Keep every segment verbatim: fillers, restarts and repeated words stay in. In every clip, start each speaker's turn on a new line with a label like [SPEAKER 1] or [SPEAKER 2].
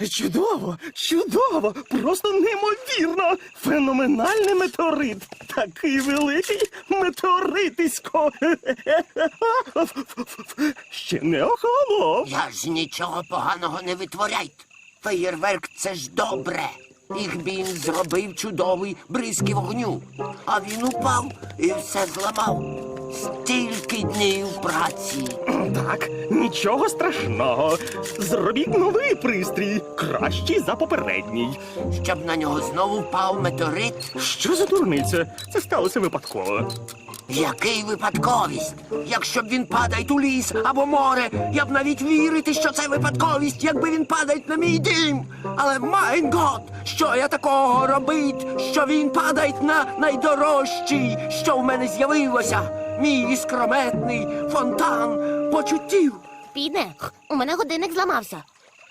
[SPEAKER 1] Чудово, чудово, просто неймовірно. Феноменальний метеорит. Такий великий метеоритисько. Ще не охолонув.
[SPEAKER 2] Я ж нічого поганого не витворяйте. Феєрверк – це ж добре. Ігбін зробив чудовий бризки вогню. А він упав і все зламав. Стільки днів праці.
[SPEAKER 1] Так, нічого страшного. Зробіть новий пристрій, кращий за попередній.
[SPEAKER 2] Щоб на нього знову впав метеорит?
[SPEAKER 1] Що за дурниця? Це сталося випадково.
[SPEAKER 2] Який випадковість? Якщо б він падає у ліс або море, я б навіть вірити, що це випадковість, якби він падає на мій дім. Але, майн гот, що я такого робить, що він падає на найдорожчий, що в мене з'явилося? Мій іскрометний фонтан почуттів.
[SPEAKER 3] Піде, у мене годинник зламався.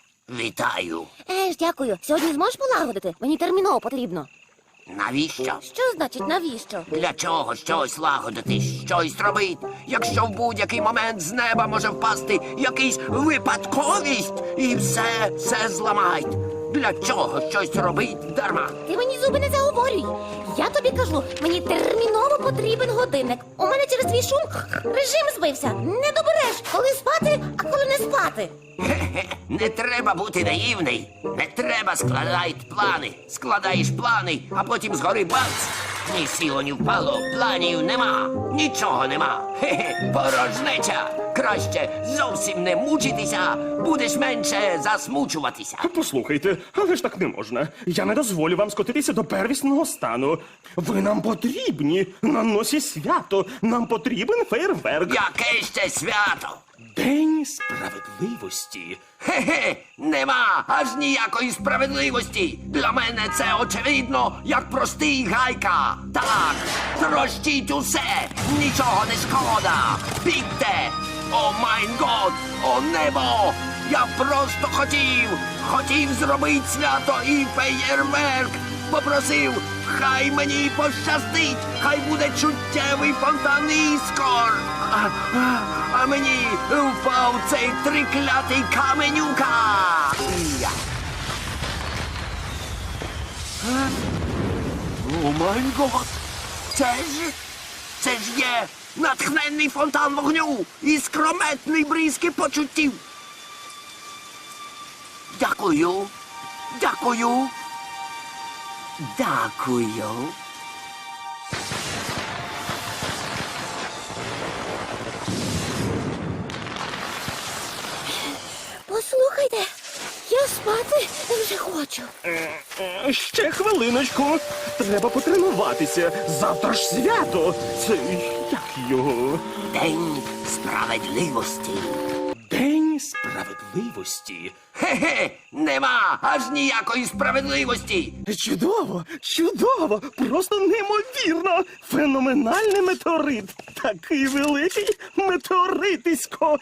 [SPEAKER 2] Вітаю.
[SPEAKER 3] Еж, дякую. Сьогодні зможеш полагодити? Мені терміново потрібно.
[SPEAKER 2] Навіщо?
[SPEAKER 3] Що значить навіщо?
[SPEAKER 2] Для чого щось лагодити, щось робити, якщо в будь-який момент з неба може впасти якийсь випадковість і все, все зламають? Для чого щось робить дарма?
[SPEAKER 3] Ти мені зуби не заговорюй. Я тобі кажу, мені терміново потрібен годинник. У мене через твій шум режим збився. Не добереш, коли спати, а коли не спати.
[SPEAKER 2] Хе-хе, не треба бути наївний. Не треба складати плани. Складаєш плани, а потім згори бац. Ні сіло, ні впало, планів нема. Нічого нема. Хе-хе, порожнеча. Краще зовсім не мучитися, будеш менше засмучуватися.
[SPEAKER 1] Послухайте, але ж так не можна. Я не дозволю вам скотитися до первісного стану. Ви нам потрібні. На носі свято. Нам потрібен фейерверк.
[SPEAKER 2] Яке ще свято?
[SPEAKER 1] День справедливості.
[SPEAKER 2] Хе-хе, нема аж ніякої справедливості. Для мене це очевидно, як простий гайка. Так, трощіть усе, нічого не шкода. Бігте! О майн год, о небо! Я просто хотів, хотів зробити свято і феєрверк. Попросив, хай мені пощастить, хай буде чуттєвий фонтан іскор. А, а, а мені впав цей триклятий каменюка. Я. Е? О май гот! Це ж, це ж є натхненний фонтан вогню і скрометний бризки почуттів. Дякую, дякую, дякую.
[SPEAKER 3] Послухайте, я спати вже хочу.
[SPEAKER 1] Е, Ще хвилиночку. Треба потренуватися. Завтра ж свято. Це як його?
[SPEAKER 2] День справедливості.
[SPEAKER 1] День справедливості.
[SPEAKER 2] Хе-хе, нема аж ніякої справедливості.
[SPEAKER 1] Чудово, чудово, просто неймовірно. Феноменальний метеорит. Такий великий метеоритисько.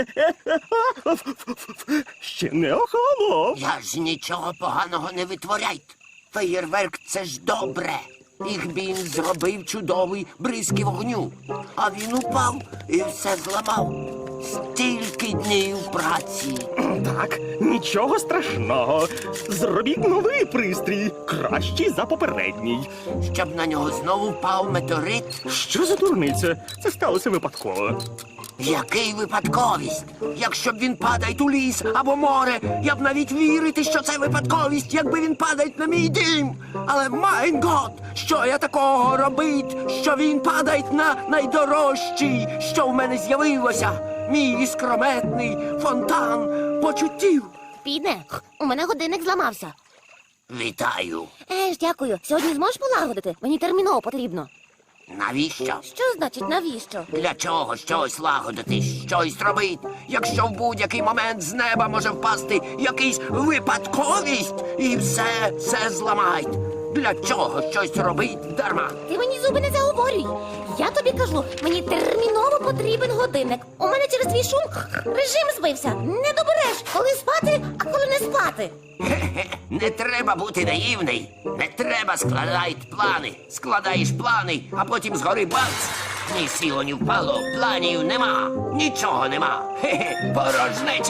[SPEAKER 1] Ще не охолонув.
[SPEAKER 2] Я ж нічого поганого не витворяйте. Феєрверк – це ж добре. Ігбін зробив чудовий бризки вогню. А він упав і все зламав. Стільки днів праці.
[SPEAKER 1] Так, нічого страшного. Зробіть новий пристрій, кращий за попередній.
[SPEAKER 2] Щоб на нього знову впав метеорит?
[SPEAKER 1] Що за дурниця? Це сталося випадково.
[SPEAKER 2] Який випадковість? Якщо б він падає у ліс або море, я б навіть вірити, що це випадковість, якби він падає на мій дім. Але, майн гот, що я такого робить, що він падає на найдорожчий, що в мене з'явилося? Мій іскрометний фонтан почуттів.
[SPEAKER 3] Піде, у мене годинник зламався.
[SPEAKER 2] Вітаю.
[SPEAKER 3] Еж, дякую. Сьогодні зможеш полагодити? Мені терміново потрібно.
[SPEAKER 2] Навіщо?
[SPEAKER 3] Що значить навіщо?
[SPEAKER 2] Для чого щось лагодити, щось робити, якщо в будь-який момент з неба може впасти якийсь випадковість і все, все зламають? Для чого щось робить дарма?
[SPEAKER 3] Ти мені зуби не заговорюй. Я тобі кажу, мені терміново потрібен годинник. У мене через твій шум режим збився. Не добереш, коли спати, а коли не спати.
[SPEAKER 2] Хе-хе, не треба бути наївний. Не треба складати плани. Складаєш плани, а потім згори бац. Ні сіло, ні впало, планів нема. Нічого нема. Хе-хе, порожнеча.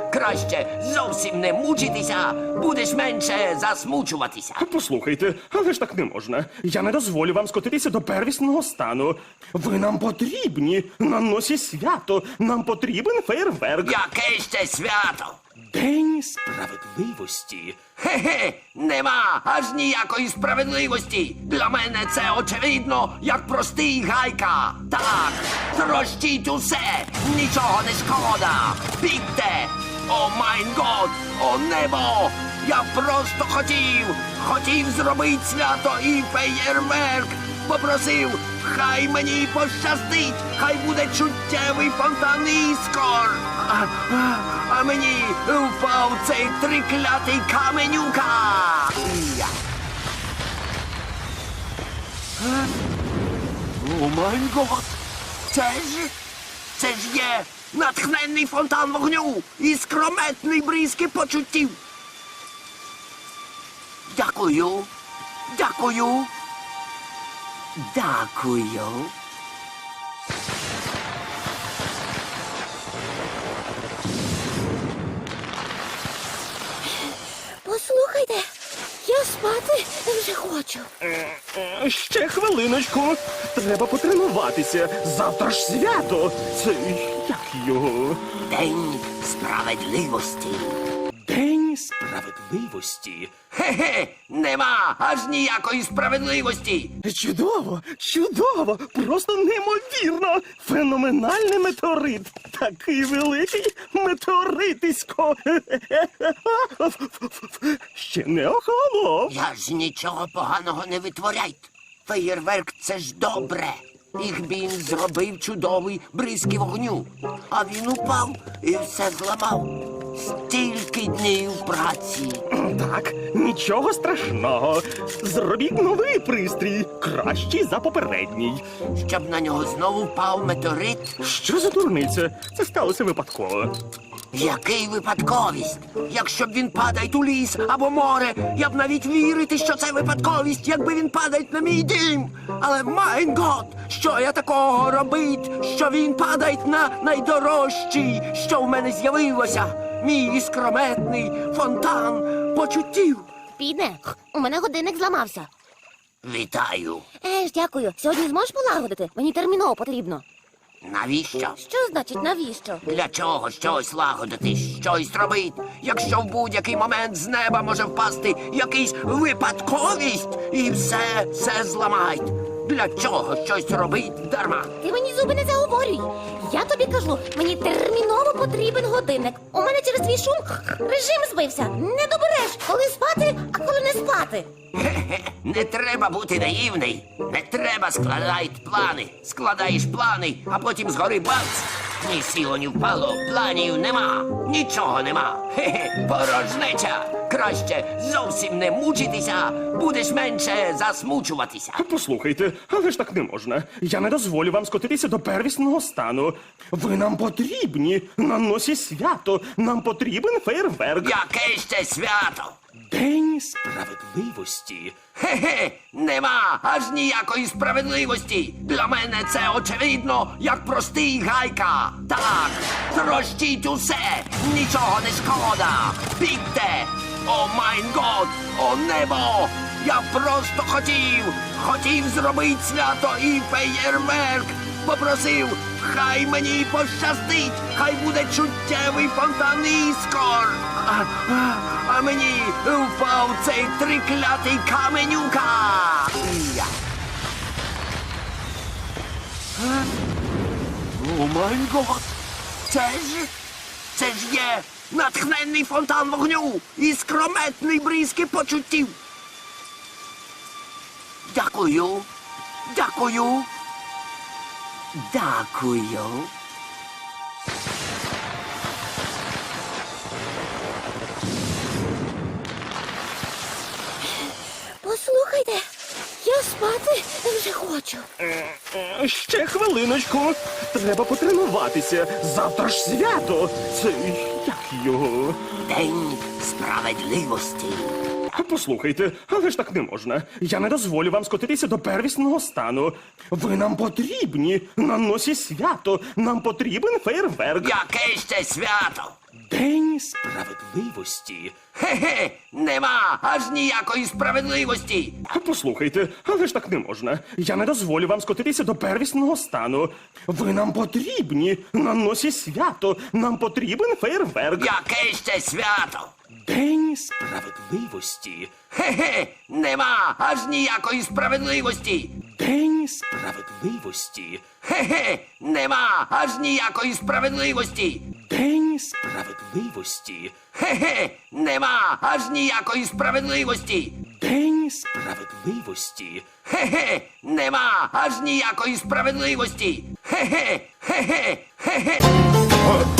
[SPEAKER 2] Краще зовсім не мучитися, будеш менше засмучуватися.
[SPEAKER 1] Послухайте, але ж так не можна. Я не дозволю вам скотитися до первісного стану. Ви нам потрібні на носі свято. Нам потрібен фейерверк.
[SPEAKER 2] Яке ще свято?
[SPEAKER 1] День справедливості.
[SPEAKER 2] Хе-хе, нема аж ніякої справедливості. Для мене це очевидно, як простий гайка. Так, трощіть усе, нічого не шкода. Бігте! О майн год, о небо! Я просто хотів, хотів зробити свято і феєрверк. Попросив, хай мені пощастить, хай буде чуттєвий фонтан іскор. А, а, а мені впав цей триклятий каменюка. Я. Е? О май гот! Це ж, це ж є натхненний фонтан вогню і скрометний бризки почуттів. Дякую, дякую. Дякую.
[SPEAKER 3] Послухайте, я спати вже хочу.
[SPEAKER 1] Е, Ще хвилиночку. Треба потренуватися. Завтра ж свято. Це як його?
[SPEAKER 2] День справедливості.
[SPEAKER 1] День справедливості.
[SPEAKER 2] Хе-хе, нема аж ніякої справедливості.
[SPEAKER 1] Чудово, чудово, просто неймовірно. Феноменальний метеорит. Такий великий метеоритисько. Ще не охолонув.
[SPEAKER 2] Я ж нічого поганого не витворяйте. Феєрверк — це ж добре. Їх він зробив чудовий бризки вогню. А він упав і все зламав. Стільки днів праці.
[SPEAKER 1] Так, нічого страшного. Зробіть новий пристрій, кращий за попередній.
[SPEAKER 2] Щоб на нього знову впав метеорит.
[SPEAKER 1] Що за дурниця? Це сталося випадково.
[SPEAKER 2] Який випадковість? Якщо б він падає у ліс або море, я б навіть вірити, що це випадковість, якби він падає на мій дім. Але майн гот, що я такого робить, що він падає на найдорожчий, що в мене з'явилося? Мій іскрометний фонтан почуттів.
[SPEAKER 3] Підне, у мене годинник зламався.
[SPEAKER 2] Вітаю.
[SPEAKER 3] Е ж, дякую. Сьогодні зможеш полагодити? Мені терміново потрібно.
[SPEAKER 2] Навіщо?
[SPEAKER 3] Що значить навіщо?
[SPEAKER 2] Для чого щось лагодити, щось робить, якщо в будь-який момент з неба може впасти якийсь випадковість і все, все зламають. Для чого щось робить дарма?
[SPEAKER 3] Ти мені зуби не заговорюй. Я тобі кажу, мені терміново потрібен годинник. У мене через твій шум режим збився. Не добереш, коли спати, а коли не спати.
[SPEAKER 2] Хе-хе, не треба бути наївний. Не треба складати плани. Складаєш плани, а потім згори бац. Ні сіло, ні впало, планів нема. Нічого нема. Хе-хе, порожнеча. Краще зовсім не мучитися, будеш менше засмучуватися.
[SPEAKER 1] Послухайте, але ж так не можна. Я не дозволю вам скотитися до первісного стану. Ви нам потрібні на носі свято. Нам потрібен фейерверк.
[SPEAKER 2] Яке ще свято?
[SPEAKER 1] День справедливості.
[SPEAKER 2] Хе-хе, нема аж ніякої справедливості. Для мене це очевидно, як простий гайка. Так, трощіть усе, нічого не шкода. Бігте! О майн год, о небо! Я просто хотів, хотів зробити свято і феєрверк. Попросив, хай мені пощастить, хай буде чуттєвий фонтан іскор. А, а, а мені впав цей триклятий каменюка. Я. Е? О май гот! Це ж, це ж є натхненний фонтан вогню і скрометний бризки почуттів. Дякую, дякую. Дякую.
[SPEAKER 3] Послухайте, я спати вже хочу.
[SPEAKER 1] Е, Ще хвилиночку. Треба потренуватися. Завтра ж свято. Це як його?
[SPEAKER 2] День справедливості.
[SPEAKER 1] Послухайте, але ж так не можна. Я не дозволю вам скотитися до первісного стану. Ви нам потрібні на носі свято. Нам потрібен фейерверк.
[SPEAKER 2] Яке ще свято?
[SPEAKER 1] День справедливості.
[SPEAKER 2] Хе-хе, нема аж ніякої справедливості.
[SPEAKER 1] Послухайте, але ж так не можна. Я не дозволю вам скотитися до первісного стану. Ви нам потрібні на носі свято. Нам потрібен фейерверк.
[SPEAKER 2] Яке ще свято?
[SPEAKER 1] День справедливості.
[SPEAKER 2] Хе-хе, нема аж ніякої справедливості.
[SPEAKER 1] День справедливості.
[SPEAKER 2] Хе-хе, нема аж ніякої справедливості.
[SPEAKER 1] День справедливості.
[SPEAKER 2] Хе-хе, нема аж ніякої справедливості.
[SPEAKER 1] День справедливості.
[SPEAKER 2] Хе-хе, нема аж ніякої справедливості. Хе-хе, хе-хе, хе-хе.